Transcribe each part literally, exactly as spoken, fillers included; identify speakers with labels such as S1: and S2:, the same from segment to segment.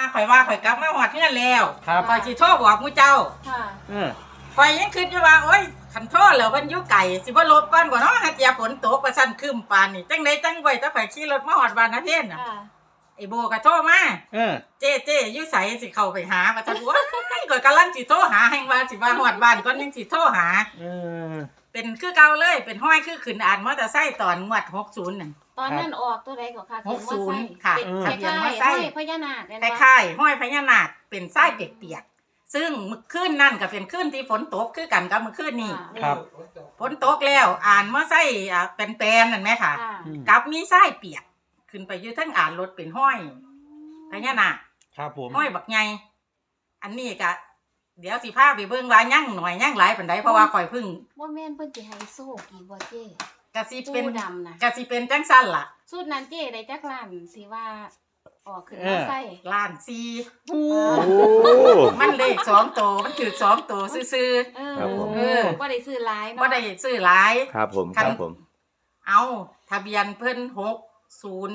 S1: ข่อยว่าข่อยกลับมาหอดเงื่อนแล้ว
S2: ครับ
S1: ข่อยสิโทรบอกมูเจ้า
S3: ค่ะ
S2: เออ
S1: ข่อยยังคิดอยู่ว่าโอ๊ยคันโทรแล้วเพิ่นอยู่ไกลสิบ่ลบก่อนบ่เนาะหาเจียฝนตกว่าซั่นครึ้มปานนี่จังได๋จังไว้ถ้าข่อยขี่รถมาฮอดบ้านนาเทนน่ะไอ้โบก็โทรมา
S2: เออ
S1: เจ๊เจ๊อยู่ไสสิเข้าไปหาว่าซั่นว่าข่อยกำลังสิโทรหาแฮงว่าสิว่าฮอดบ้านก่อนยังสิโทรหา
S2: เออ
S1: เป็นคือเก่าเลยเป็นห้อยคือขึ้นอ่านมอเตอร์ไซค์ตอนงวดหกสิบนั่น
S3: ตอนนั้นออกตัวใดก็ค่ะ
S1: หกสิบค่ะ
S3: ทะเบียนมอไซค์พญานาค
S1: คล้ายๆห้อยพญานาคเป็นไส้เปียกๆซึ่งมื้อคืนนั่นก็เป็นคืนที่ฝนตกคือกันกับมื้อคืนนี้
S2: ครับ
S1: ฝนตกแล้วอ่านมอไซค์อ่าเป็นแปลนนั่นแหมค่ะกับมีไส้เปียกขึ้นไปอยู่ทั้งอ่านรถเป็นห้อยพญานาค
S2: ครับผม
S1: ห้อยบักใหญ่อันนี้ก็เดี๋ยวสิพาไปเบิ่งว่ายั่งหน่อยยั่งหลายปานใดเพราะว่าข่อยเพิ่ง
S3: บ่แม่นเพิ่นสิให้โซ่กี่บ่เจ้
S1: กะสิเป็น
S3: ดำนะ
S1: กะสิเป็นจังซั่นล่ะ
S3: สูตรนั้นเจ้ได้จักล้านสิว่าออกขึ้นมาใส่
S1: ล้านสี่โอ้มันเลขสองตัวมันถือสองตัวซื่อ
S3: ๆเออเออบ่ได้ซื้อหลายเนาะ
S1: บ่ได้ซื้อหลาย
S4: ครับผมครับผม
S1: เอาทะเบียนเพิ่นหกศูนย์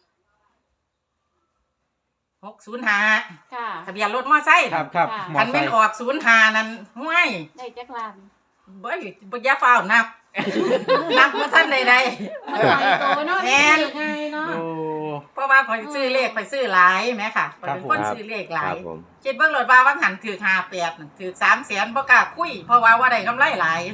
S1: หกศูนย์ห้าค่ะทะเบียนรถมอไซค์
S2: ครับครับ
S1: คันแม่นออกศูนย์ห้านั่นห้วย
S3: ได้จักล้าน
S1: บ่บ่อย่าฟ้าวนับนับบ่ทันใดๆ
S3: มันหลายโตเนาะแม่นง่ายเนาะ
S1: เพราะว่าข่อยซื้อเลขข่อยซื้อหลายแหมค่ะข่อยเป็นคนซื้อเลขหลายคิดเบิ่งรถว่าว่าหันถูกห้าแปดนั่นถูก สามแสนบ่กล้าคุยเพราะว่าว่าได้กำไรหลาย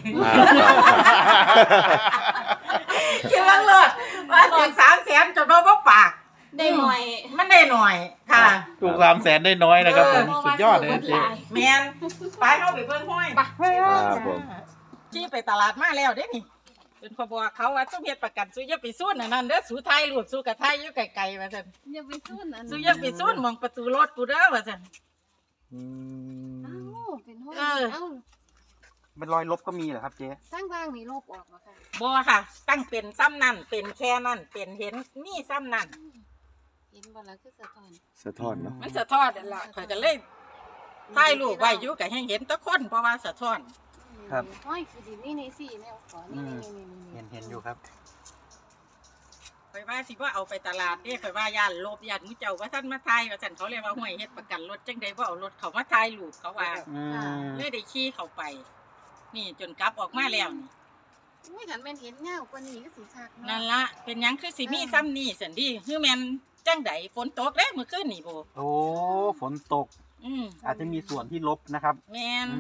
S1: คิดเบิ่งรถว่าถูก สามแสนจนบ่บ่ปาก
S3: ได้หน่อย
S1: มันได้หน่อยค่ะ
S2: ถูกสามแสนได้น้อยนะครับผมสุดยอดเลยเจ๊
S1: แมนไปเข้าไปเบิ่งห้อยไปจี้ไปตลาดมาแล้วเด้นี่เป็นขบวนเขาว่าต้องเฮ็ดประกันสู้อย่าไปสู้นั่นนั่นเด้อสู้ไทยรูปสู้กับไทยอยู่ไกลๆว่าซั่น
S3: อย่าไปสู้นั่น
S1: สู้อย่าไปสู้มองประตูรถกูเด้อว่าซั่น
S2: อืม
S3: อ้าวเป็นห้อยเอ้า
S2: เป็นรอยลบก็มีเหรอครับเจ๊
S3: ตั้งว่างนี่ลบออกบ่ค่ะ
S1: บ่ค่ะตั้งเป็นซ้ำนั่นเป็นแค่นั่นเป็นเห็นมีซ้ำนั่น
S3: เห็นบ่ล่ะคือสะท้อน
S4: สะท้อนเนาะ
S1: มันสะท้อนนั่นล่ะข่อยก็เลยถ่ายรูปไว้อยู่ก็ให้เห็นตะคนเพราะว่าสะท้อน
S2: ครับ
S3: ห้อยคือดินี่นี่สิแม่ขอนี่
S2: ๆเห็นเห็นอยู่ครับ
S1: ข่อยว่าสิว่าเอาไปตลาดเด้ข่อยว่าย่านลบย่านมื้อเจ้าว่าซั่นมาถ่ายว่าซั่นเขาเรียกว่าห้วยเฮ็ดประกันรถจังได๋บ่เอารถเขามาถ่ายรูปเขาว่าเลยได้ขี่เข้าไปนี่จนกลับออกมาแล้วนี่
S3: อุ้ยคันแม่นเห็นเงากว่านี้ก็สิคักเนาะ
S1: นั่นล่ะเป็นหยังคือสิมีซ้ำนี่ซั่นดิคือแม่นจังได๋ฝนตกเด้มื้อคืนนี่บ่
S2: โอ้ฝนตก
S1: อืม
S2: อาจจะมีส่วนที่ลบนะครับ
S1: แม่น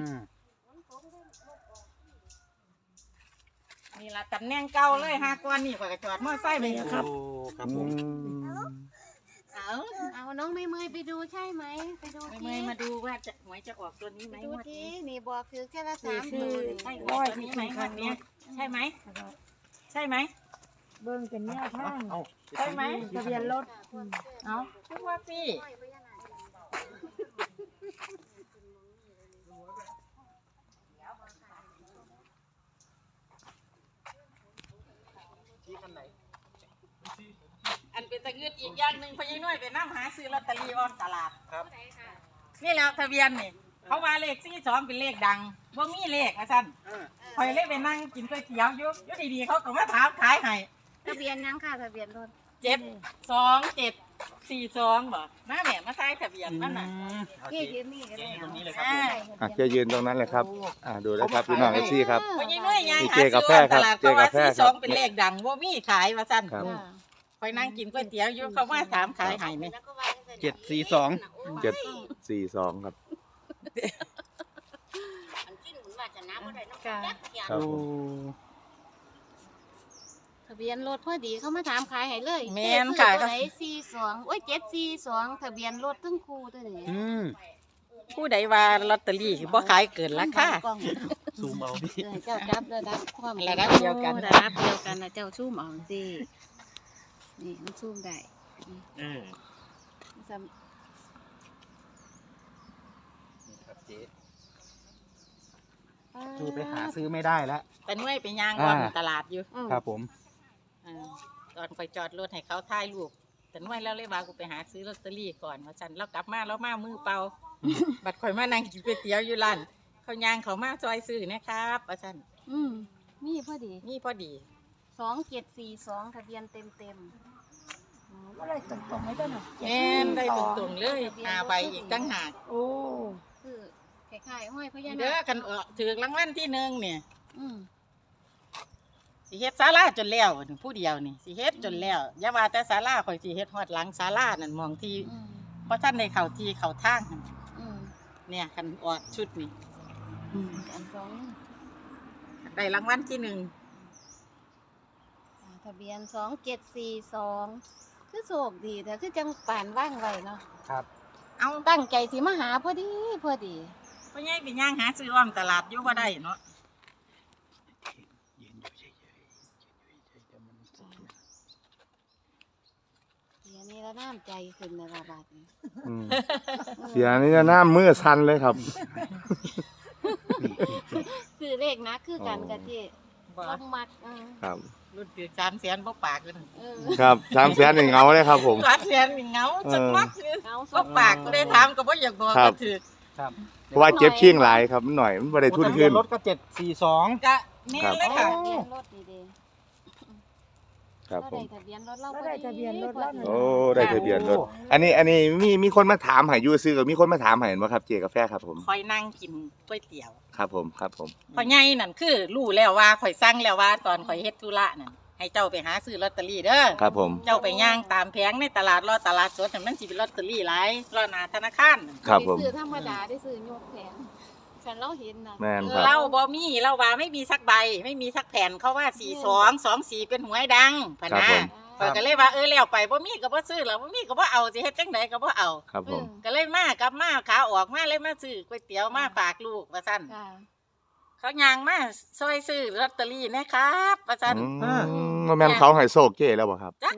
S1: นี่ล่ะตำแหน่งเก่าเลยหาก่อนนี่ข่อยก็จอดมอไซค์ไปครับ
S2: โอ้ครับผม
S3: เอาเอาน้องไม่เมยไปดูใช่ไหมไปดู
S1: ทีไม่มาดูว่าจะหวยจะออกตัวนี้ไหม
S3: ดูทีนี่บอกคือแค่ละสามตัว
S1: ใช่ตัวนี้ไหมวันนี้ใช่ไหมใช่ไหม
S5: เบิ้งเป็นแนวทาง
S1: ใช่ไหม
S5: ทะเบียนรถ
S1: เอาทุกว่าพี่อันเป็นตะเงืดอีกอย่างหนึ่งพญาน้อยไปนั่งหาซื้อลอตเตอรี่ออนตลาดครับนี่แล้วทะเบียนนี่เขาว่าเลขสี่สองเป็นเลขดังว่ามีเลขนะท่านคอยเลขไปนั่งกินก๋วยเตี๋ยวยุยุดีๆเขาก็มาถามขายให้
S3: ทะเบียนยังค่ะทะเบียนรถ
S1: เจ็ดสองเจ็ดสี่สองบ่มาแม่มาใช้ทะเบียนมันน่ะ
S3: เจ๊ยืนนี่ก็ได้
S2: ตรงนี้เลยครับ
S4: อ่ะเจ๊ยืนตรงนั้นเลยครับอ่าดูเลยครับพี่น้องเอฟซีครับ
S1: พญาน้อยยังหาซื้อออนตลาดเพราะว่าสี่สองเป็นเลขดังว่ามีขายว่าท่านคอยนั่งกินก๋วยเตี๋ยวอยู่เขาว่าถามขายให้ไหม
S2: เจ็ดสี่สอง
S4: เจ็ดสี่สองครับ
S3: ครับทะเบียนรถพอดีเขามาถามขายให้เลย
S1: แม่นขาย
S3: ตัวไหนสี่สองโอ้ยเจ็ดสี่สองทะเบียนรถทั้งคู่ตัวนี้
S1: ผู้ใดว่าลอตเตอรี่บ่ขายเกินราคา
S2: ซูมเอาพี่
S3: เจ้าจับระดับความ
S1: ระดับเดียวกัน
S3: ระดับเดียวกันนะเจ้าซูมเอาสินี่มันซูมได้
S2: เออ
S3: นี่ครับ
S2: เจ๊คือไปหาซื้อไม่ได้แล้ว
S1: แต่น้อยไปย่างก่อนตลาดอยู่
S2: ครับผม
S1: ตอนไปจอดรถให้เขาถ่ายรูปแต่น้อยแล้วเลยว่ากูไปหาซื้อลอตเตอรี่ก่อนว่าฉันแล้วกลับมาแล้วมามือเปล่าบัดข่อยมานั่งกินก๋วยเตี๋ยวอยู่ร้านเขาย่างเขามาซอยซื้อนะครับว่าฉัน
S3: อืมนี่พอดี
S1: นี่พอดี
S3: สองเจ็ดสี่สองทะเบียนเต็มเต็ม
S5: ก็เลยตรงๆไม่ต้นหรอก
S1: แม่นได้ตรงๆเลยหาใบอีกตั้งหาก
S5: โอ้
S3: คือคล้ายๆห้อยพญา
S1: เด้
S3: นา
S1: อ
S3: ค
S1: กันออกถือรางวัลที่หนึ่งเนี่ย
S3: อืม
S1: สิเฮ็ดศาลาจนแล้วผู้เดียวนี่สิเฮ็ดจนแล้วอย่าว่าแต่ศาลาข่อยสิเฮ็ดฮอดหลังศาลานั่นมองที่
S3: อืม
S1: บ่ทันได้เข้าที่เข้าทางหั่น
S3: อืม
S1: เนี่ยคันออกชุดนี้
S3: อันสอง
S1: ได้รางวัลที่หนึ่ง
S3: อ่าทะเบียนสองเจ็ดสี่สองคือโศกดีแต่คือจังป่านว่างไว้เนาะ
S2: ครับ
S1: เอา
S3: ตั้งใจสิมาหาพอดีพอดี
S1: พ่อใหญ่ไปย่างหาซื้ออ้อมตลาดอยู่บ่ได้เนาะ
S2: ยืนอยู่เฉยๆยืนอยู่เฉยๆเดี๋ยวมันสะเทือน
S3: เดี๋ยวนี้ละน้ำใจขึ้นในระบาดนี้
S4: อืมเสียนี่จะหน้ามือสั่นเลยครับ
S3: คือเลขนะคือกันกับที่
S1: บ่
S3: ต้องมักอืม
S4: ครับ
S1: รุ่นถือสามแสนบ่ปากเลย
S3: เออ
S4: ครับสามแสนหนึ่งเงาเลยครับผม
S1: สามแสนนี่เหงาจักมักคือ
S3: เอาส
S1: บ่
S3: อง
S1: ปากก็ได้ถามก็บ่อยากบอก
S4: ครั
S1: ก็
S4: บ
S1: ถือ
S2: ครับ
S4: เพราะว่าเจ็บชิ่งหลายครับมันหน่อยมันไม่ได้ทุนขึ้น
S2: รถก็เจ็ดสี่สอง
S1: ก็แม่นเลยค่ะ
S3: ทะเบียนรถดี
S4: ครับ
S3: ๆ
S4: ผม
S3: ได้ทะเบียนรถเรา
S5: ก็ได้ทะเบียนรถแล้วหนึ่ง
S4: โอ้ได้ทะเบียนรถอันนี้อันนี้มีมีคนมาถามหายูซื้อกับมีคนมาถามหาเห็นไหมครับเจกาแฟครับผม
S1: คอยนั่งกินก๋วยเตี๋ยว
S4: ครับผมครับผม
S1: พ่อใหญ่นั่นคือรู้แล้วว่าข่อยสั่งแล้วว่าตอนข่อยเฮ็ดธุระนั่นให้เจ้าไปหาซื้อลอตเตอรี่เด้อ
S4: ครับผม
S1: เจ้าไปย่างตามแผงในตลาดรอตลาดสดนั่นมันสิเป็นลอตเตอรี่หลายรอหน้าธนาคารนั่น
S4: ครับผม
S3: ได้ซื้อธรรมดาได้ซื้อยกแผงฉันเราเห็นนะ
S4: แม่นครับ
S1: เราบ่มีเราว่าไม่มีสักใบ ไม่มีสักแผ่นเขาว่าสี่สองสองสี่เป็นหวยดังพะ
S4: ครับ
S1: นะ
S4: ผม
S1: ข่อยก็เลยว่าเออแล้วไปบ่มีก็บ่ซื้อแล้วบ่มีก็บ่เอาสิเฮ็ดจังไดก็บ่เอา
S4: ครับผม
S1: ก็เลยมากลับมาขาออกมาเลยมาซื้อก๋วยเตี๋ยวมาฝากลูกว่าซั่น
S3: ค่ะ
S1: เขาย่างมาซอยซื้อลอตเตอรี่นะครับว่าซั่น
S4: อืมว่าแม่นเขาให้โศกเจ้แล้วบ่ครับ
S1: จัก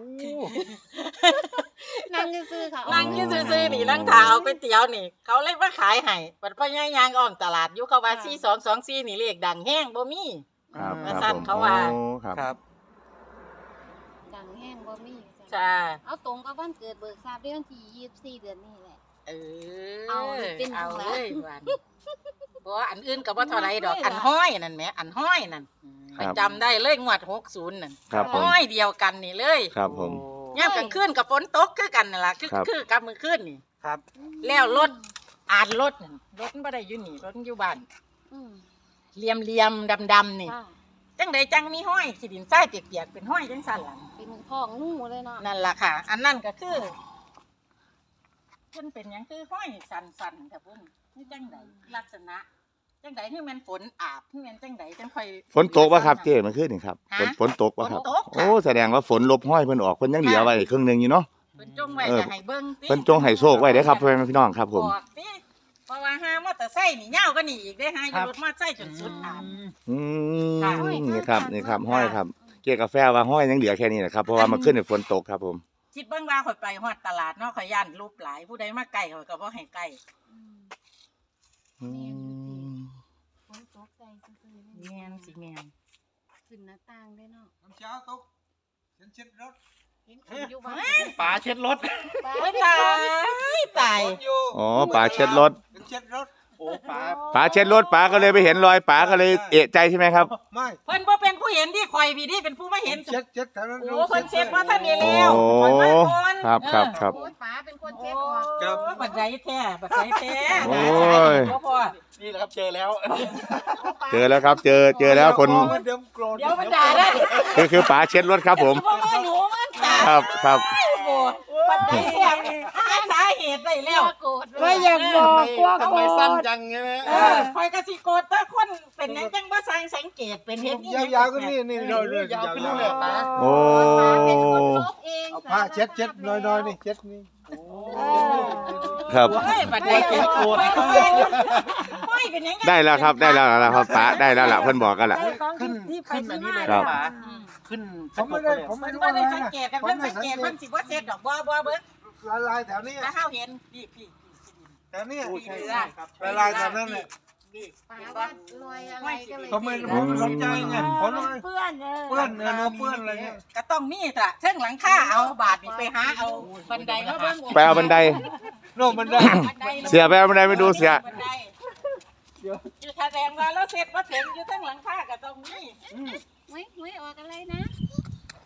S3: นั่งซื้อๆค่ะ
S1: นั่งอยู่ซื่อๆนี่นั่งถาเอาก๋วยเตี๋ยวนี่ เขาเลยมาขายให้ปัดพ่อย่ายางอ้อมตลาดอยู่เขาว่าสี่สองสองสี่นี่เลขดังแห้งบ่มี
S4: ครับ
S1: ว่า
S4: ครับ
S1: สั้น
S4: ผม
S1: เขาว่า
S4: โอ้ครับ
S2: ครับ
S3: จังแห้งบ่มี
S1: จ้า
S3: เอาตรงกับวันเกิดเบิกทราบได้วันที่ยี่สิบสี่เดือนนี้แหละ
S1: เออ
S3: เอาเป็น
S1: เอา
S3: ของ
S1: เล
S3: ร้าน
S1: ยวันบ่อันอื่นก็บ่เท่าไรดอกอันห้อยนั่นแหมอันห้อยนั่น
S4: ค
S1: ไป
S4: รับ
S1: จำได้เลยงวดหกสิบนั่น
S4: ครับผม
S1: ห้อยเดียวกันนี่เลย
S4: ครับผม
S1: ยามกลางคืนกับฝนตกคือกันนั่นล่ะคือ
S4: ครับ
S1: คือกับมื้อคืนนี่
S2: ครับ
S1: แล้วรถอ่านรถนั่นรถมันบ่ได้อยู่นี่รถมันอยู่บ้าน
S3: อืม
S1: เหลี่ยมๆดำๆนี่
S3: ค่ะ
S1: จังใดจังมีห้อยขี้ดินทรายเปียกๆเป็นห้อยจังสั่นล่ะ
S3: เป็นท้องงูเลยเนาะ
S1: นั่นล่ะค่ะ อันนั้นก็คือเพิ่นเป็นหยังคือห้อยสันๆกับเพิ่นนี่จังใดลักษณะจังใดที่มันฝนอาบที่มันจังใดจังค่อย
S4: ฝนตกป่ะครับเจ้มันขึ้นนี่ครับ
S1: ฮะ
S4: ฝนฝนตกป่ะครับ
S1: ฝนตกค่ะ
S4: โอ้แสดงว่าฝนลบห้อยเพิ่นออกเพิ่นยังเหลือไว้ครึ่งหนึงอยู่เนาะ
S1: เพิ่นจงไว้
S4: เออ
S1: จะให้เบิ่งติ
S4: เพิ่นจงให้โชคไว้เด้อครับพ่อแม่พี่น้องครับผม
S1: บอกติเพราะว่าหามอเตอร์ไซค์นี่ยาวก็นี่อีกได้หาอยู่รถมอเตอร์ไซค์จนสุดอาบ
S4: อืม
S1: ค่ะ
S4: นี่ครับนี่ครับห้อยครับ เกี่ยวกาแฟว่าห้อยยังเหลือแค่นี้นะครับเพราะว่ามันขึ้นในฝนตกครับผม
S1: คิดเบิ่งว่าข่อยไปฮอดตลาดเนาะข่อยย่านรูปหลายผู้ใดมาใกล้ข่อยก็บ่ให้ใกล้
S3: อืม
S4: อืม
S3: ฝนตกใจซื่อๆ
S1: แม่นสิแม่น
S3: ขึ้นหน้าต่างได้เนาะ
S6: น้ำเช้าตกฉันเช็ดรถ
S3: เห็นขึ้นอยู่บ้าน
S2: ป๋าเช็ดรถ
S3: ป้า
S1: โอ้ยตายตาย
S6: รถอยู่
S4: อ๋อป๋าเช็ดรถ
S6: ฉันเช็ดรถ
S2: โอ้ป๋า
S4: ป๋าเช็ดรถป๋าก็เลยไปเห็นรอยป๋าก็เลยเอะใจใช่ไหมครับ
S6: ไม่
S1: เพิ่นบ่เป็นผู้เห็นที่ข่อยพี่นี่เป็นผู้มาเห็น
S6: เช็ดเช็ดแถวนั้น
S1: โอ้เพิ่นเช็ดว่าท่านนี่
S4: โอ้
S1: แล้วข่อยมาก่อน
S4: ครับครับครับ
S3: โอ้ยป้าเป็นคน
S1: โอ้
S3: เช็ดออก
S1: ยบัดใดแท้บัดใดแท้
S4: โอ้ย
S1: บ่พอ
S2: นี่แหละครับเจอแล้ว
S4: เจอแล้วครับ เจอเจอแล้วคน
S6: เดี๋ยวโกรธ
S1: เดี๋ยวมันด่าได้
S4: คือคือป๋าเช็ดรถครับผม
S1: บ่ว่าหนูมันตาย
S4: ครับครับ
S1: โอ้บัดใดแท้หาสาเหตุได้แล้ว
S3: โกรธเล
S5: ไม่
S3: ย
S5: อยากบอกกลัว
S2: ทำ
S5: โกร
S2: ไมสั้น
S5: ธ
S2: จังใช่ไหม
S1: เออข่อยก็สิโกรธแต่คนเป็นหยังจังบ่สังสังเกตเป็นเฮ็ดนี่
S6: ยาวๆก็นี่นี่เราเรื่อย
S2: ยาวขึ้นเรื่อยๆป๋า
S4: โอ้
S3: ป้าเป็นคนลบเอง
S6: เอาผ้าเช็ดเช็ดน้อยๆนี่เช็ดนี่
S5: เออ
S4: ครับ
S1: โอ้ยบัดใดแท้โกรธห้อยเป็นหยัง
S4: ได้แล้วครับได้แล้วแล้วครับป๋าได้แล้วล่ะเพิ่นบอกกันล่ะ
S5: ได้ของที่ที่ไป
S2: ขึ้นอัน
S5: ที่
S2: นี้
S5: มา
S2: เลย
S5: แล้ว
S2: ป๋า
S1: อืม
S2: ขึ้น
S6: ผมไม่ได้ผม
S1: มั
S6: ไม่
S1: น
S6: รู้
S1: บ่
S6: อะไร
S1: ได้สัง
S6: นะ
S1: เกตกันเพิ่นสังเกตเพิ่นสิบ่เช็ดดอกบ่บ่เบิ่ง
S6: ละลายแถวนี้
S1: ถ้าเฮาเห็นพี่พี่
S6: แถวนี้
S1: พี่เรือ
S6: ละลายแถวนั้นเลย
S1: พี่
S3: ป้า
S1: เห็น
S3: ว่า
S1: ปะ
S3: รวยอะไรก็เลย
S6: ผมไม่ผมไม่สนใจไงผมเลย
S5: เพื่อนเออ
S6: เปื้อนเออเนื้อเปื้อนอะไรเงี้ย
S1: ก็ต้องมีตะเชิงหลังคาเอาบาทนี่ไปหาเอาบันไดมาเบิ่ง
S4: ไปเอาบันได
S6: โน่นมันได้
S1: บันได
S4: เสียไปเอาบันไดไปดูเสีย
S1: บันไดอยู่แสดงว่าเราเสร็จบ่ถึงอยู่ทั้งหลังคาก็ต้องมี
S3: ไม่ไม่ออกอะไรนะ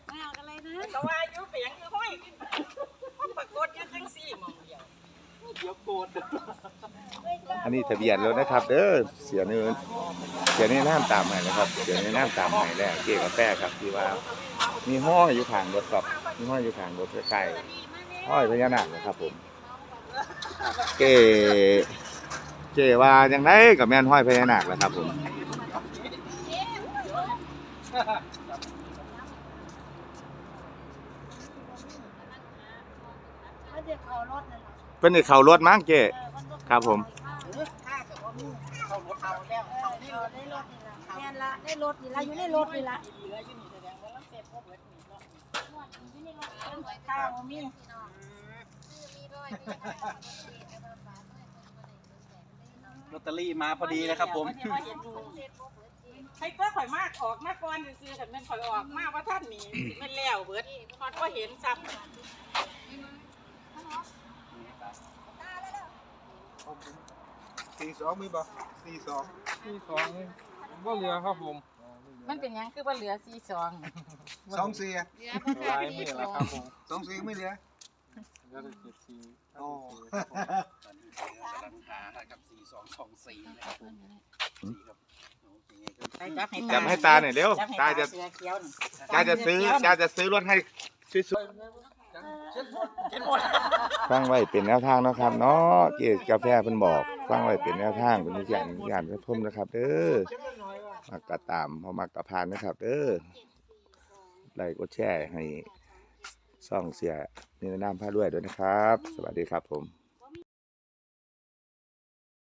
S3: ไม่เอาอะไรนะ
S1: ก็ว่าอยู่เปียงคือห้อยปรากฏอยู่จังซี่หมองเดียว
S2: เดี๋ยวโกรธ
S4: อันนี้ทะเบียนรถนะครับเด้อเสียเนื้อเสียในน้ำตามใหม่นะครับเสียในน้ำตามใหม่แล้วเจ๊กาแฟครับที่ว่ามีห้อยอยู่ข้างรถครับมีห้อยอยู่ข้างรถใกล้ๆห้อยพญานาคนะครับผมเจ๊เจ๊ว่าจังไดกับแม่นห้อยพญานาคแหละครับผม
S3: มันจะเข้ารถนั่นแหละ
S4: เพิ่นได้เข้ารถมั้งเจ๊ครับผม
S1: ถ้าเกิดว่ามีเข้ารถเอาแล้วเข้า
S3: เอาได้รถนี่ละแม่นละได้รถนี่ละอยู่ในรถนี่ละ
S1: ดีแล้วอยู่นี่แสดงว่าเราเสพพวกเบิดนี่เนาะข้าวบ่มี
S2: ลอตเตอรี่มาพอดีเลยครับผม
S1: ให้เพื่อข่อยมากออกมาก่อนซื่อๆคันแม่นข่อยออกมาว่าท่านนี่สิแม่นแล้วเบิดฮอดบ่เห็นซ้ำ
S6: สี่สองมีบ่สี่สองสี่สองบ่เหลือครับผม
S1: มันเป็นหยังคือว่าเหลือสี่สอง
S6: สองสี่
S3: เหลือพระ
S6: ลา
S3: ธาย ตุ
S6: ไม่
S3: ที่
S6: เหลื
S3: ส
S6: อ
S3: อง
S6: ครับผมสองสี่ไม่เหลือเหลือแต่เจ็ดสี่โอ้
S1: จับให้ตา
S4: จับให้ตาหน่อยเร็วตาจะ
S1: เสือเขียวนี่
S4: ตาจะซื้อตาจะซื้อรถให้สวยๆฟังไว้เป็นแนวทางเนาะครับเนาะเจ๊กาแฟเพิ่นบอกฟังไว้เป็นแนวทางเป็นวิทยานวิทยานชมนะครับเด้อมักกะตามพอมักกะพานนะครับเด้อไลค์กดแชร์ให้ช่องเสียนิรนามพาด้วยด้วยนะครับ สวัสดีครับผม